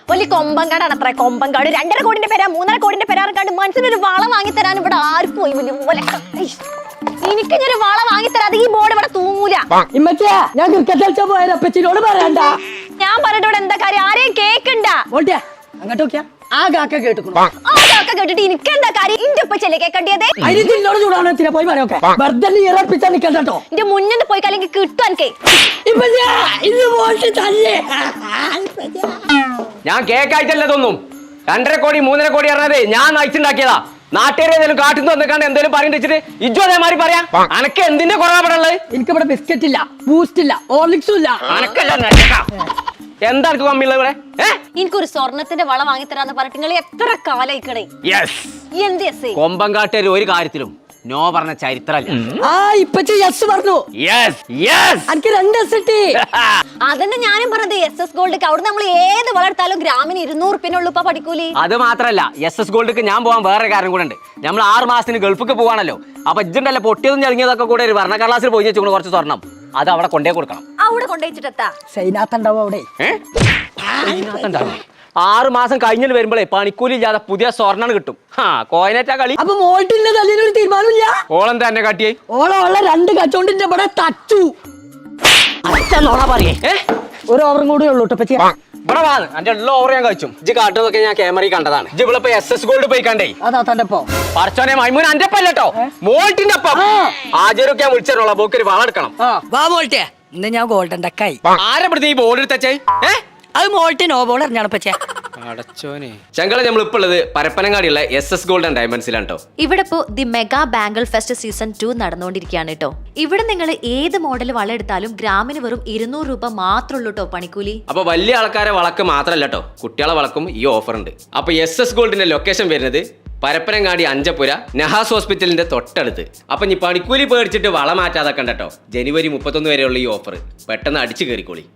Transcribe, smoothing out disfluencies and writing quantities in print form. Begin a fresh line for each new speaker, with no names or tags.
വലിയ കൊമ്പങ്കാടാണ് അത്ര കൊമ്പങ്കാട് 2.5 കോടിന്റെ പേരാ 3.5 കോടിന്റെ പേരാർക്കാണ്ട് മനസ്സിനൊരു വള വാങ്ങിത്തരാൻ ഇവിടെ ആരും പോയി എനിക്ക് ഒരു വള വാങ്ങിത്തരാതെ ഈ ബോർഡ് ഇവിടെ തൂങ്ങൂല.
ഞാൻ ക്രിക്കറ്റ് കളിച്ചാ പോയപ്പച്ചിനോട് പറയണ്ട. ഞാൻ
പറഞ്ഞിട്ട് ഇവിടെ എന്താ കാര്യം? ആരെയും കേക്കണ്ട.
അങ്ങോട്ട് നോക്കിയാ ആ കാക്ക കേട്ടിട്ടുണ്ട്.
ആ കാക്ക കേട്ടിട്ട് എനിക്ക് എന്താ കാര്യം? ഇന്റെ ഉപ്പച്ചല്ലേ കേക്കണ്ടിയത്?
അതിനോട് ചൂടാണ് പോയി പറയൊക്കെ വെറുതെ ഇറപ്പിച്ചാ നിക്കണ്ടോ.
എന്റെ മുന്നിൽ പോയി അല്ലെങ്കിൽ കിട്ടും എനിക്ക്.
ഞാൻ കേക്കായിട്ടല്ലതൊന്നും 2.5 കോടി 3.5 കോടി പറഞ്ഞതേ ഞാൻ നയിച്ചുണ്ടാക്കിയതാ. നാട്ടുകാരെ ഏതെങ്കിലും കാട്ടിൽ വന്നിക്കാണ്ട് എന്തെങ്കിലും പറയുന്നത് വെച്ചിട്ട് ഇജ്ജു അതേമാതിരി പറയാം. അനക്ക് എന്തിന്റെ കുറവാണുള്ളത്?
എനിക്കിവിടെ ബിസ്ക്കറ്റ് ഇല്ല, ബൂസ്റ്റ് ഇല്ല, ഹോർലിക്സും ഇല്ല.
എന്താ കമ്മിയുള്ളത് ഇവിടെ?
എനിക്കൊരു സ്വർണത്തിന്റെ വള വാങ്ങിത്തരാന്ന് പറഞ്ഞിട്ട് നിങ്ങൾ എത്ര കാലായിക്കണേ?
കൊമ്പങ്കാട്ടുകാർ ഒരു കാര്യത്തിലും നോ പറഞ്ഞ ചരിത്രമല്ല.
പറഞ്ഞു എനിക്ക് 2 S കിട്ടി.
അതന്നെ ഞാനും പറഞ്ഞത്. SS ഗോൾഡ് അവിടെ നമ്മൾ ഏത് വളർത്താലും ഗ്രാമിന് 200 റുപ്യനുള്ളൂ ഇപ്പൊ പഠിക്കൂലി.
അത് മാത്രല്ല SS ഗോൾഡിക്ക് ഞാൻ പോകാൻ വേറെ കാര്യം കൂടെ ഉണ്ട്. നമ്മൾ 6 മാസത്തിന് ഗൾഫിക്ക് പോവാണല്ലോ. അപ്പൊ ഇജ്ജുണ്ടല്ലോ പൊട്ടിയതും ചളിങ്ങിയതൊക്കെ കൂടെ ഒരു ഭരണ കടലാസിൽ പോയി വെച്ചു കുറച്ച് സ്വർണം അത് അവിടെ കൊണ്ടേ കൊടുക്കണം.
അവിടെ കൊണ്ടുവച്ചിട്ടെത്താ
സൈനാത്തുണ്ടാവും അവിടെ.
6 മാസം കഴിഞ്ഞിട്ട് വരുമ്പോഴേ പണിക്കൂലി ഇല്ലാതെ പുതിയ സ്വർണ്ണം കിട്ടും. കോയിനേറ്റാ കളി.
അപ്പൊ മോൾട്ടിന്റെ തല്ലിനൊരു തീരുമാനമില്ല.
ഓളം തന്നെ കാട്ടിയായി
ഓളമുള്ള 2 കച്ചോണ്ടിന്റെ ഇവിടെ തച്ചു.
പറയേ
ഒരു ഓവറും കൂടെ ഉള്ളൂ.
ഇവിടെ വാന്ന് എന്റെ എല്ലാ ഓവർ ഞാൻ കഴിച്ചു. ഇജ്ജ് കാട്ടുന്നതൊക്കെ ഞാൻ ക്യാമറയിൽ കണ്ടതാണ്. ഇജ്ജ് ഇവിടെ SS ഗോൾഡ് പോയി കണ്ടേ.
അതാ തന്റെ
പറച്ചോനെ മൈമൂൻ അന്റെ ഒപ്പല്ലോ മോൾട്ടിന്റെ ഒപ്പം ആചാരൊക്കെ വിളിച്ചോളാം. പോക്കൊരു വളം എടുക്കണം.
വാ മോൾട്ടിയെ ഇന്ന് ഞാൻ ഗോൾഡൻ ഡക്കായി.
ആരെ പെടുത്തി ഈ ബോൾ എടുത്തേ?
അത് മോൾട്ടി നോ ബോൾ എറിഞ്ഞാണ് പച്ചേ.
ചങ്കള നമ്മൾ ഇപ്പോൾ ഉള്ളത് പരപ്പനങ്ങാടിയുള്ള SS ഗോൾഡ് ആൻഡ് ഡയമണ്ട്സിലാണ് കേട്ടോ.
ഇവിടെ ഇപ്പോ the mega bangle fest season 2 നടന്നുകൊണ്ടിരിക്കുകയാണ് കേട്ടോ. ഇവിടെ നിങ്ങൾ ഏത് മോഡൽ വള എടുത്താലും ഗ്രാമിന് വെറും 200 രൂപ മാത്രമേ ഉള്ളൂ കേട്ടോ പണിക്കൂലി.
അപ്പൊ വലിയ ആൾക്കാരെ വളക്ക് മാത്രമല്ല കേട്ടോ, കുട്ടികളെ വളക്കും ഈ ഓഫർ ഉണ്ട്. അപ്പൊ SS ഗോൾഡിന്റെ ലൊക്കേഷൻ വരുന്നത് പരപ്പനങ്ങാടി അഞ്ചപ്പുര നഹാസ് ഹോസ്പിറ്റലിന്റെ തൊട്ടടുത്ത്. അപ്പൊ നീ പണിക്കൂലി പേടിച്ചിട്ട് വള മാറ്റാതെ കണ്ടോ. ജനുവരി 31 വരെയുള്ള ഈ ഓഫർ പെട്ടെന്ന് അടിച്ചു കയറിക്കോളി.